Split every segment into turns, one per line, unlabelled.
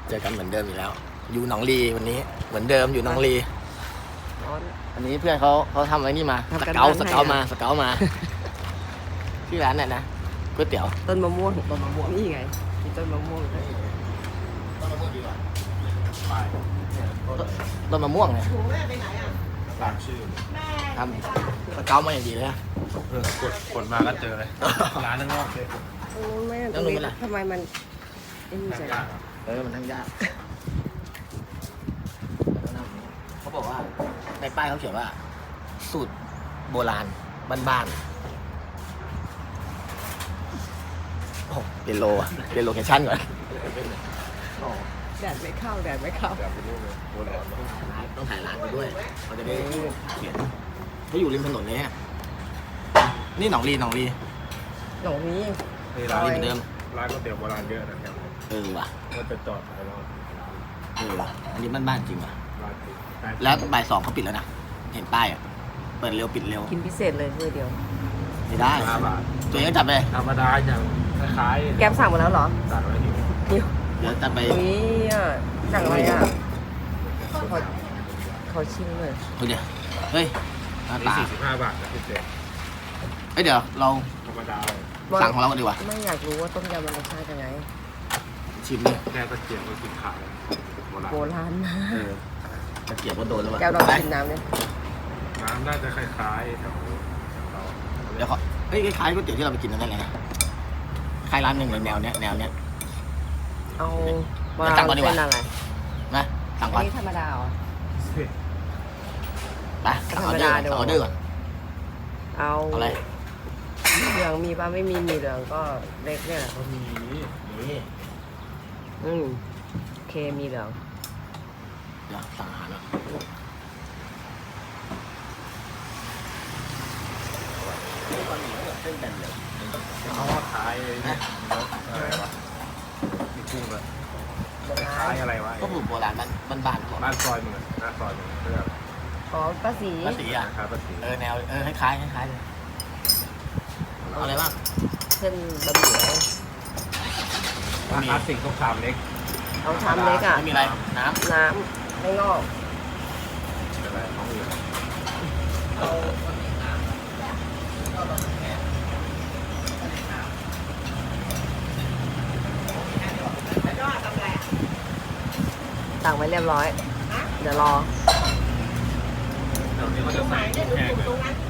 เจอกันเหมือนเดิมอีกแล้ว อยู่หนองลีวันนี้เหมือนเดิมอยู่หนองลี
ร้อน
อันนี้เพื่อนเขาทำอะไรนี่มา
ทำ
ส
กัน
เกา
บ้าน
สเกา
ให้
มา
อะ
สเกามาที่ร้านเนี่ยนะก๋วยเตี๋ยว
ต้นมะม่วงนี่ไงมีต้นมะม่วงด้วย
ต้นมะม่วงดีกว่าต้นมะม่วงเนี่ย
ตามชื่อ
ทำสเกามาอย่างดีเลยนะ
กดมาก็เจอเลย ร้านนั่งนอกเลย
โอ้แม่
แล้วหนูเป็นไร
ทำไมมันไอ้นี่จัง
มันทั้งยากเขาบอกว่าในป้ายเขาเขียนว่า สูตรโบราณบ้านๆโอ้เปลี่ยนโลอะเปลี่ยนโลเคชั่นก่อน
แดดไม่เข้าแดดไม่เข้า
แบบเป็นรูปเลยโบราณ
ต้องถ่ายร้านไปด้วยเขาจะได้เขียนเขาอยู่ริมถนนเลยฮะนี่หนองลี
หนองนี้
นี่
หนองลีเหมือนเดิม
ร้านก๋วยเตี๋ยวโบราณเยอะนะครับ
ว่ะ
ก็จะจอดขายเรา
ว่ะอันนี้บ้านๆจริงว่ะ
ร้านปิด
แล้วบ่าย 2เขาปิดแล้วนะเห็นป้ายอ่ะเปิดเร็วปิดเร็ว
กินพิเศษเลยมื้อเดียว
ไม่ได้
5 บาท
ตัวเองก็จัดไป
ธรรมดาอย่างคล้าย
แก้มสั่งมาแล้วเหรอ
สั่งอะไรอยู่
เดี๋ยว
เดี๋ยวจัดไป
นี่อ่ะสั่งอะไรอ่ะขอชิมเลย
เดี๋ยวเฮ้ยหน้า
นี่
ตา
45 บาทนะพี่เจ๊
เฮ้ยเดี๋ยวเรา
ธรรมดา
สั่งของเรากันดีกว่า
ไม่อยากรู้ว่าต้มยำมันรสชาติยังไง
ชิมเลย
แค่ตะเกียบก็กินขายโบราณ
โบราณมาก
ตะเกียบก็โดนแล้วว่ะ
แก้วลอง
ไป
กินน้ำเลย
น้ำน่าจะคล้ายๆแถวเรา
เดี๋ยวขอเฮ้ยคล้ายๆก๋วยเตี๋ยวที่เราไปกินนั่นแหละนะคล้ายร้านหนึ่งเลยแนวเนี้ย
เอา
เดี๋ยวสั่งก่อนดีกว่า
เป็นอะไร
นะสั่ง
อั
ก่อน น
นี้ธรรมดาเหรอ
ไปสั่งออเดอร์ก่อนสั่งออเดอร์ก่อน
เอา
เอาอะไร
เหลืองมีป่ะไม่มีเหลืองก็เล็กเนี่ยแหละ
ก็มี
นี่
โอเคมีเหลือง
เดี๋ยวสั่งอาหารก่อนเส้นแบนเลย
เขาว่าคล้ายอะไรวะมีกุ้งเลยคล้ายอะไรวะ
ก็สูตรโบราณบ้านๆของ
บ้านซอยเหมือนหน้าซอยเหมือนเพื่อน
อ๋อป้าสี
ป้าสีอ่ะ
คล้ายป้าสี
แนวคล้ายๆเลยเอาอะไรบ้าง
เส้นบะหมี่
คลาสสิกต้องชามเล็ก
เอาชามเล็กอ่ะ
ไม่มีอะไรน้
น้ำไม่งอก
อะไรน้องอื่น
สั่งไว้เรียบร้อย เดี๋ยวรอ
เดี๋ยวนี้เขาจะใส่แห้งเลย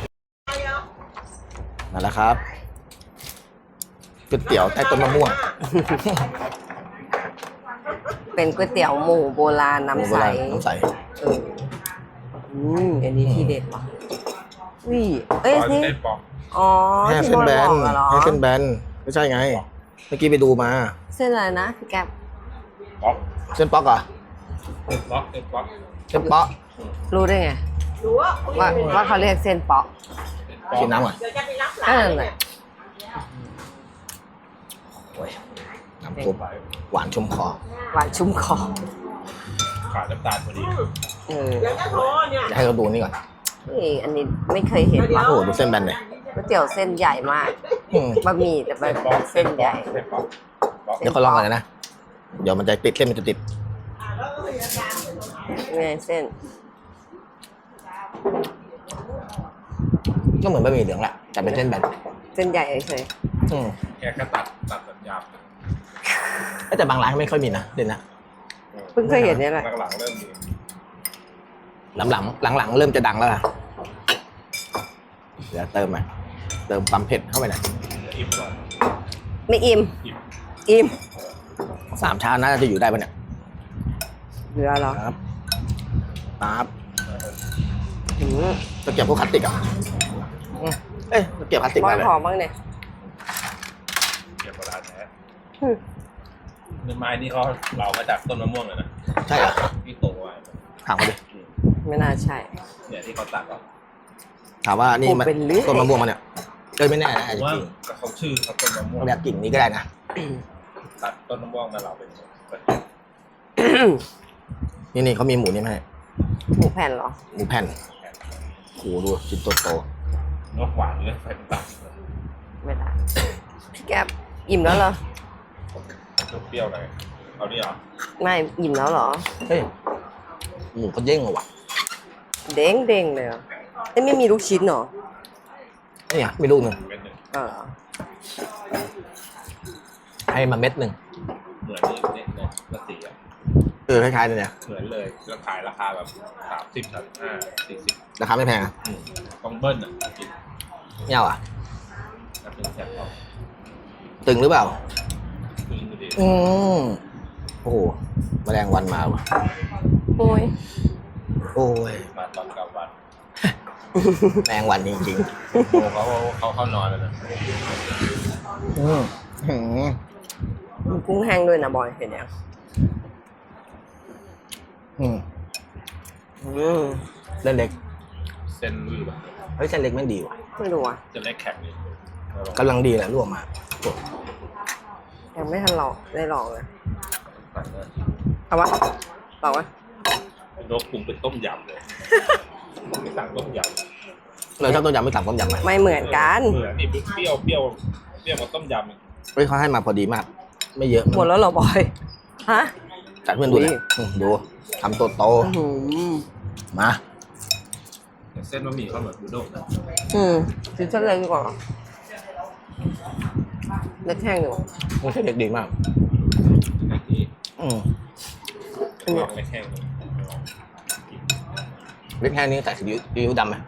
ำนั่นแหละครับก๋วยเตี๋ยวใต้ต้นมะม่วง
เป็นก๋วยเตี๋ยวหมูโบราณน้ำใส
น้ำใส
เอออันนี้ทีเด็ดว่ะอุ้ยเอ้ย
ซอย
นี่
เส้นปอก
อ๋อ
แค่
ที่
เส้น
โดน
แบ
บ
น
อกอะเหรอ
แค่เส้นแบนไม่ใช่ไง เมื่อกี้ไปดูมา
เส้นอะไรนะพี่แก๊ป
ปอก
เส้นป๊อกเหรอ่ะ
ปอกเอ็ดปอก
เส้นป๊อก
รู้ได้ไงว่าเขาเรียกเส้นเปาะ
กินน้ำก่อน
ก็นั่นแหละ
โอ้ยน้ำซุปหวานชุ่มคอ
หวานชุ่มคอ
ขาดน้ำตาลพอดี
เออ
อยากให้เราดูนี่ก่อน
นี่อันนี้ไม่เคยเห็นว่ะ
โอ้โหดูเส้นแบนเลย
ก๋วยเตี๋ยวเส้นใหญ่มาก
อืม
บะหมี่แต่แบบเส้นใหญ่
เส้นปอกปอก
เดี๋ยวเขาลองกันนะ เดี๋ยวมันจะติดเส้นมันจะติด
ไงเส้น
ก็เหมือนบะหมี่เหลืองแหละแต่เป็นเส้นแบน
เส้นใหญ่เฉย
อืม
แค่ตัดแบบหยาบ
แต่บางร้านไม่ค่อยมีนะเด่นนะ
ๆเพิ่งเคยเห็นเนี่ยแหละ
หลังๆเริ่มมี
หลังๆเริ่มจะดังแล้วล่ะเดี๋ยวเติมไปเติมความเผ็ดเข้าไปหน่อย
อิ่มก่อน
ไม่อิ่ม
อิ่ม
อิ่ม
3 ชามน่าจะอยู่ได้ปะเนี่ย
เหลือเหรอ
ครับปั๊บ
หืม
ตะเกียบพวกพลาสติกอ่ะเอ้ยตะเกียบพลาสติก
บ้า
อะ
น
ไร
หอมบ้างเนี่ย
เก็บโบราณแท้
อืม
เนื้อไม้นี่เขาเหลามาจากต้นมะม่วงเลยนะ
ใช่เหรอ
ที่โตไว้
ถามมาดิ
ไม่น่าใช่
เนี่ยที่เขาตัดออก
ถามว่านี่มัน
เป็นเรื่อย
ต้นมะม่วงมันเนี่ยไม่แน่นะ
ผ
อาจ
ม
จะ
ว่า
จริง
เขาชื่อเขาต้นมะม่วง
เรียกกิ่งนี้ก็ได้นะ
ตัดต้นมะม่วงมาเหลาเป็น
นี่เขามีหมูนี่มาให้
หมูแผ่นเหรอ
หมูแผ่นโหดูชิ้นโต
นกหวานเลยใส่น้ำตาล
ไม่ได้พี่แก๊ปอิ่มแล้วเหรอ
เปรี้ยวหน่อยเอานี่เหรอ
ไม่อิ่มแล้วเหรอ
เฮ้ยหมูเขาเด้งเหรอวะ
เด้งเด้งเลยเหรอเอ้ยไม่มีลูกชิ้นเหรอ
นี่ไงมีลูกหนึ่ง
เม็ดหนึ่ง
เออ
ให้มาเม็ดหนึ่ง
เหมือนนี่เนี่ยละสีอ่ะ
คล้ายๆเลยเนี่ย
เหมือนเลยแล้วขายราคาแบบ30 35 40
ราคาไม่แพงอะ
ต้องเบิ้ลอ่ะกิน
ไม่เอาอ่ะ
นับเป็นแซ่บเอา
ตึงหรือเปล่า
คือดี
อืมโอ้โหแมลงวันมาว่ะ
โอ้ย
โอ้ย
มาตอนกลางวัน
แมลงวันจริง
โอ้เขาเข้านอนแล้วนะ
ๆอืม
มีกุ้งแห้งด้วยนะบอยเห็นยัง
อืม
อืม
เส้นเล็ก
เส้นลื่นแบบ
เฮ้ยเส้นเล็กไม่ดีว่ะ
ไม่รู้อ่ะ
เส้นเล็กแข็งนี่
กำลังดีแหละลวกมาโอ้
ยังไม่ทันลองได้ลองเลย
สั่งเลย
เอาวะบอกว่า
เป็นนกปรุงเป็นต้มยำเลยไม่สั่งต้มยำ
เราชอบต้มยำไม่สั่งต้มยำไหม
ไม่เหมือนกัน
เหมือนนี่เปรี้ยวกับต้มยำ
เฮ้ยเขาให้มาพอดีมาก ไม่เยอะ
หมดแล้วเหรอบอยฮะ
จัดเพื่อนดู
อุ้
เลย
ย
ดูทำโตโต
อื้อหือ
มา
เส้นบะหมี่เขาเหมือนบูด้งนะ
ชิ้นเส้นเล็กดีกว่าเล็กแห้งอยู่
มันเส้นเล็กดีมาก
ไอ้ที่
อืม
อันเนี้ย
ไม่แข็ง
เล็กแค่นี้ใส่ซีอิ๊วดำไหม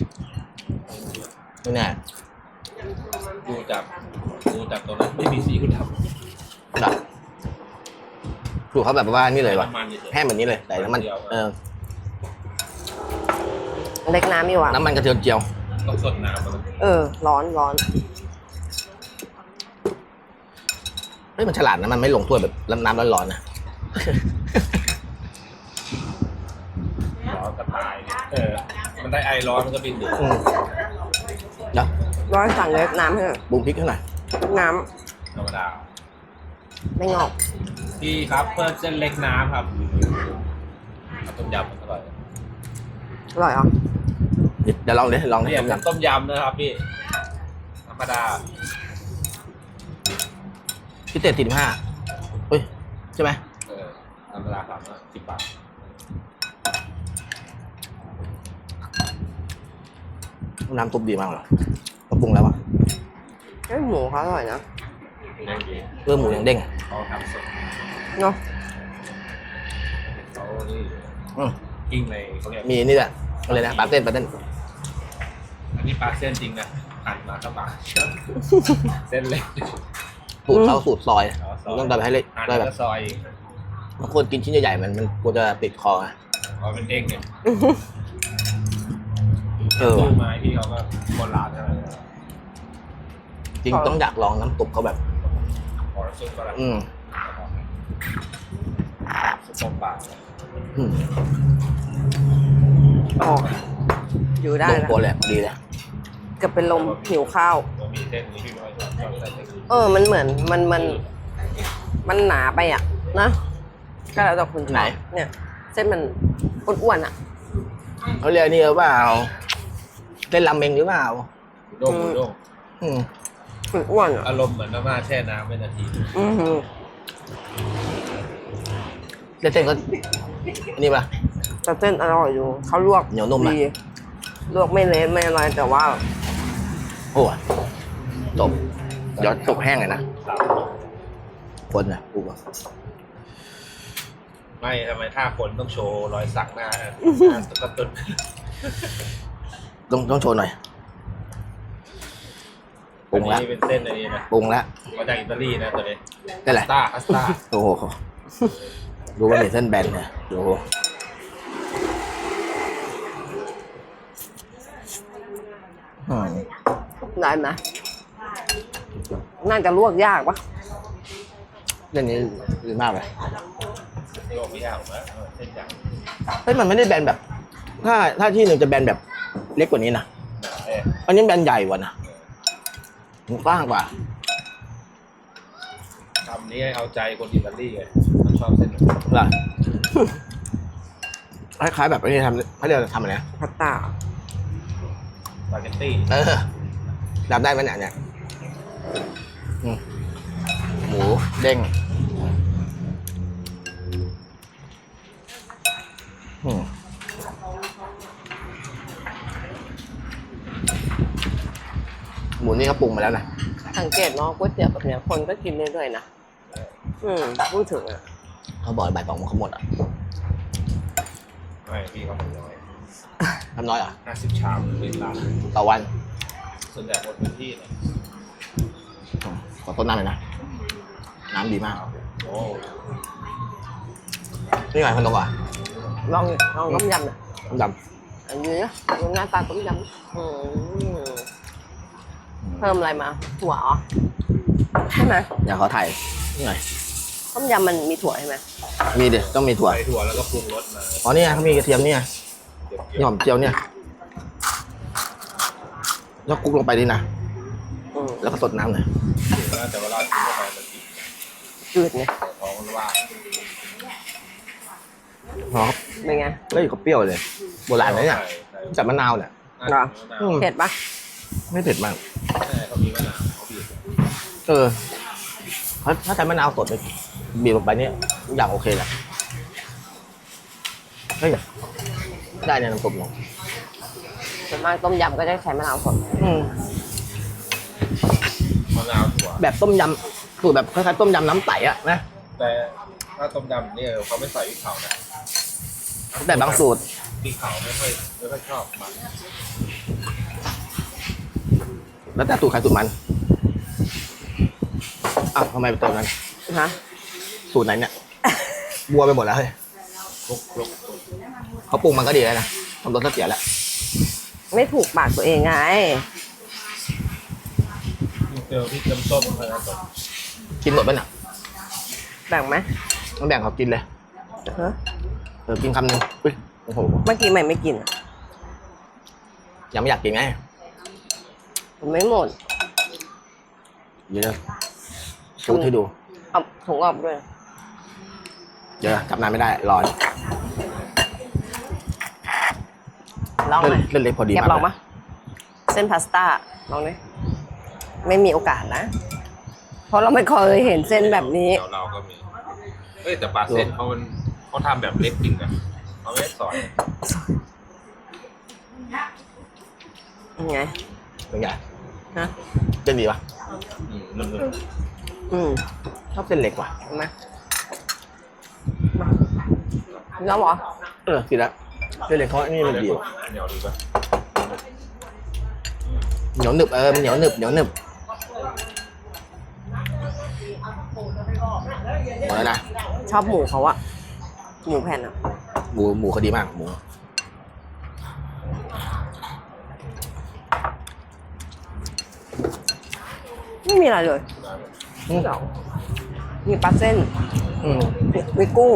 ไม่แน่
ดูจากตรงนั้นไม่มีสีคุณทำ
แบบดูเขาแบบว่านี่เลยว่ะ
น้ำมันเฉย
แห้งแบบนี้เลยใส่น้ำมัน
เล็กน้ำอยู่อ่ะ
น้ำมันกระเทียมเจียว
ต้องสดน้ำมัน
ร้อนร้อน
เฮ้ยมันฉลาดนะมันไม่ลงถ้วยแบบน้ำร้อนๆนะ
ร้อนกระต่ายมันได้ไอร้อนมันก็บินหนี
อืมเดี๋ยว
ร้อนสั่งเล็กน้ำให้หน่อย
ปรุงพริกให้หน่อย
น้
ธรรมดา
ำไม่งอก
พี่ครับเพิ่มเส้นเล็กน้ำครับต้มยำมันอร่อย
อร่อยเหรอ
เดี๋ยวลองดิลองดิ
เนี่ยต้มยำนะครับพี่ธรรมดา
พิเศษ45เฮ้ยใช่ไหม
ธรรมดา10 บาท
น้ำซุปดีมากเลยก็ปรุงแล้วอ่ะ
เอ้ยหมูเขาอร่อยนะ
เด้งดี
หมูยังเด้ง
เขาทำสด
เนาะ
เขานี่
อืม
กิ้งในเขาเรียก
มีนี่แหละอะไรนะปลาเต้น
อันนี้ปลาเส้นจริงนะหั่นมาก็ปลาเส้นเล็ก
สูตรเขาสูตรซอยต้องทำให้เล็ก
หั่น
ได้
แล้ว
แบ
ก็
บ
ซอย
บางคนกินชิ้นใหญ่ๆมันกลัวจะติดคอไง
เอาเป็นเด้งเนี่ย
ว่ะ
ตู้ไม้พี่เขาก็โบราณอะไร
จริงต้องอยากลองน้ำซุปเขาแบบ
ขอซุปก็ได้
อืม
ซุปต้มปลา
อืม
อ๋ออยู่ได้
ลง
แล้ว
ตัวเลยดีเลย
เกือบเป็นลมหิวข้าว
บะหมี่เส้นนี้พี่น้อยชอบใส่เส้น
มันเหมือนมันหนาไปอ่ะนะก็แล้วแต่คุณชอบเนี่ย เส้นมันอ้วนๆอ่ะ
เขาเรียกนี่หรือเปล่าเต้นรำเมงหรือเปล่า
บูด้ง
อืม
อ้วนๆอ่ะ
อารมณ์เหมือนน้ำมาแช่น้ำเป็นนาที
อือหือ
เต้นก็นี่ป่ะ
แต่เส้นอร่อยอยู่เขาลวก
เหนียวนุ่มไหม
ดีลวกไม่เละไม่อะไรแต่ว่า
โอ้ยจบเดี๋ยวจบแห้งเลยนะ
สาม
คนนะกูว่า
ไม่ทำไมท่าคนต้องโชว์รอยสักหน้าตุ๊กตุน
ต้องโชว์หน่อยปรุงแล้ว
อันนี้เป็นเส้นอันนี้นะ
ปรุงแล้ว
มาจากอิตาลีนะตัวนี้
นี่แหละ
พาสต้า
โอ้โหดูว่ามีเส้นแบนเนี่ยดูอืม
ได้ไหมน่าจะลวกยากปะ
เรื่องนี้ดีมากเลย
โลกพิยาผมว่าเส้นใหญ่
เฮ้ยมันไม่ได้แบนแบบ ถ้าที่หนึ่งจะแบนแบบเล็กกว่านี้นะ อันนี้แบนใหญ่กว่านะมันกว้างกว่า
คำนี้เอาใจคนอิตาลีไงเขาชอบเส้น
เหรอ คล้ายๆแบบที่ทำเขาเรียกทำอะไรนะ
พาสต้า
สปาเกตตี้
รับได้ไหมเนี่ยอืมหมูเด้งนี้เขาปรุงมาแล้วนะ
สังเกตเนาะก๋วยเตี๋ยวแบบเนี้ยคนก็กินเรื่อยๆนะพูดถึงอ่ะ
เขาบอกบ่าย 2 โมงเขาหมดอ่ะ
ไม่พี่เขาทำน้อย
ทำน้อยเหรอ่ะ
50 ชามเป็นร้าน
ต่อวัน
ส่วนใหญ่หมดพื้นที่เนี่ย
ขอต้นน้ำเลยนะ น้ำดีมาก
โอ้
นี่ไงคนตรงอ่ะ
ลองต้มยำน่ะ
ต้มย
อันนี้นะดูหน้าตาต้มยำเพิ่มอะไรมาถั่วเหรอใช่ไหม
ำอย่าขอถ่ายนี่หน่อย
ต้มยำมันมีถั่วใช่ไหม
มีเด็ต้องมีถั่ว
ใส่ถั่วแล้วก็ปรุงรสมา
อ๋อนี่ไงเขามีกระเทียมเนี่ย
เดี๋ยว
นี่หอมเจียวเนี่ยแล้วคลุกลงไปดินะ แล้วก็สดน้ำหน่อย
น่าจะเวลากินเข้าไปมันติด
จืดไง
ท้องมันว่าง
หอม
เป็นไง
เฮ้ยเขาเปรี้ยวเลย โบราณนะเนี่ยจับมะนาวเนี่ย
เหรอ เผ็ดปะ
ไม่เผ็ดมาก
ใช่เขามีมะนาวเขาบีบ
ถ้าใช้มะนาวสดเลยบีบลงไปเนี่ยทุกอย่างโอเคแหละเฮ้ยได้เนี่ยน้ำซุปเนาะ
ส่วนมากต้มยำก็จะใช้มะนาวสด
มะนาวถั่ว
แบบต้มยำสูตรแบบคล้ายๆต้มยำน้ำใสอะนะ
แต่ถ้าต้มยำเนี่ยเขาไม่ใส่พริกเผานะ
แต่บางสูตร
พริกเผาไม่ค่อยชอบมัน
แล้วแต่สูตรใครสูตรมันอ้าวทำไมไปเติมนั้น
ฮะ
สูตรไหนเนี่ยบัวไปหมดแล้วเฮ้ย
ลุก
เขาปรุงมันก็ดีแล้วนะทำรสก็เสียแล้ว
ไม่ถูกปากตัวเองไง
เจอพริกน้ำส้มอะไรต่อ
กินหมดป่ะเนี่ย
แบ่งไหม
มันแบ่งเขากินเลย
ฮะ
กินคำหนึงอุ๊ยโอ้โห
เมื่อกี้ใหม่ไม่กินอะ
ยังไม่อยากกินไง
ผมไม่หมด
เดี๋ยวชูให้ดู
เอาถุงออกด้วย
เดี๋ยวจับนานไม่ได้ร้อน
ลองไหม
เล่นเล็กพอดี
แก
มาก
ลองปะเส้นพาสต้าลองดิไม่มีโอกาสนะ เพราะเราไม่เคยเห็นเส้นแบบนี้
เราก็มีเฮ้ยแต่ปลาเส้นเขาทำแบบเล็กจริงนะเขาไม่ได้สอน
ยังไง
เป็นไง
ฮะ
เส้นดีปะ
นุ่ม
ชอบเส้นเล็กว่ะ
เห็นไหมแล้วเหรอ
กินแล้วเส้นเล็กเขาอันนี่มันดี
เห
ว่ะ
นียวดีป่ะ
เหนียวหนึบมันเหนียวหนึบหมดแล้วนะ
ชอบหมูเขาอะหมูแผ่นอะ
หมูเขาดีมากหมู
ไม่มีอะไรเลยนี่เหรอมีปลาเส้น มีกุ้ง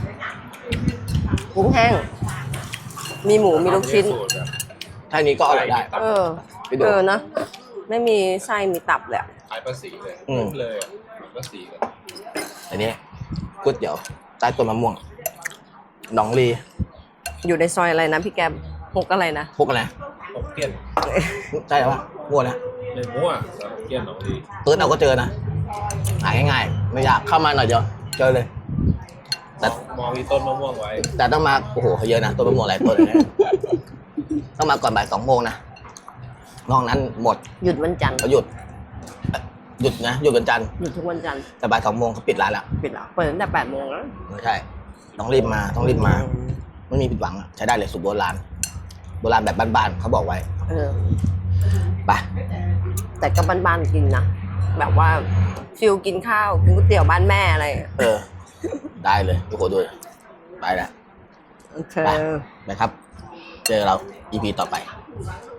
แห้ง มีหมู มีลูกชิ้น
ถ้านี้ก็อร่อยได้ ไปดู
นะ ไม่มีไส้มีตับเลยอะ
ขายภาษีเลย เลยภาษีเลย
อันนี้ก๋วยเตี๋ยวใต้ต้นมะม่วงหนองลี
อยู่ในซอยอะไรนะพี่แกมหกอะไรนะ
พวกอะไร
ผมเกี้ยน
ใช่หรอวะมั่วนะ
ในมั่วแต่เกี้ยนหนองดี
เปิดเอาก็เจอนะหาง่ายๆไม่อยากเข้ามาหน่อยเดียวเจอเลย แต่
มองมีต้นมะม่วงไว้
แต่ต้องมาโอ้โหเขาเยอะนะต้นมะม่วงหลายต้นเลยนะต้องมาก่อนบ่าย 2 โมงนะนอกนั้นหมด
หยุดวันจันทร์
เขาหยุดนะหยุดวันจันทร์
หยุดทุกวันจันทร์
แต่บ่าย 2 โมงเขาปิดร้านแล้ว
ปิดแล้วเปิดตั้งแต่8 โมงแล้ว
ไม่ใช่ต้องรีบมาไม่มีผิดหวังอะใช้ได้เลยสูตรโบราณแบบบ้านๆเขาบอกไว้ ไป
แต่ก็บ้านๆกินนะ แบบว่าฟิลกินข้าวกินก๋วยเตี๋ยวบ้านแม่อะไร
ได้เลยทุกคนด้วยไปแล้ว
โอเค
ไปครับ เจอเรา EP ต่อไป
ค